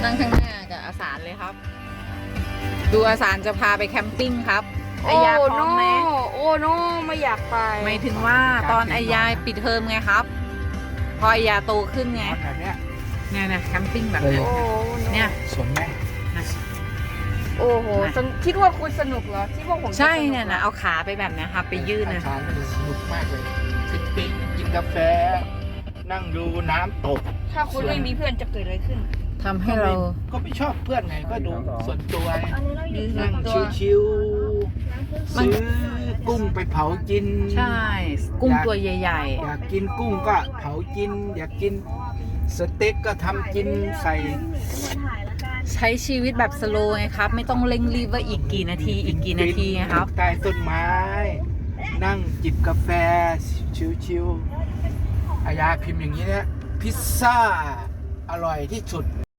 นั่งข้างหน้ากับอาสารเลยครับ ดูอาสารจะพาไปแคมปิ้งครับไอยาพร้อมไหมโอ้โนไม่อยากไปหมายถึงว่าตอนไอยาปิดเทอมไงครับ พอไอยาโตขึ้นไงแบบเนี้ยเนี่ยนะแคมปิ้งแบบนี้โอ้โนเนี่ยสนไหมโอ้โหคิดว่าคุณสนุกเหรอคิดว่าผมจะใช่สกหรอเนี่ยนะเอาขาไปแบบนี้ครับไปยืดนะอาจารย์มันสนุกมากเลยปิ๊กกินกาแฟ นั่งดูน้ำตกถ้าคุณไม่มีเพื่อนจะเกิดอะไรขึ้นทำให้เราก็ไม่ชอบเพื่อนไงก็ดูส่วนตัวไงยืดนั่งตัวชิวๆซื้อกุ้งไปเผากินใช่ กุ้งตัวใหญ่อยากกินกุ้งก็เผากิน อยากกินสเต็กก็ทำกินใส่ๆ ใช้ชีวิตแบบสโลว์ไงครับ ไม่ต้องเร่งรีบว่าอีกกี่นาทีอีกกี่นาทีไงครับใต้ต้นไม้ นั่งจิบกาแฟ ชิวๆอายาพิมพ์อย่างนี้เนี่ยพิซซ่าอร่อยที่สุด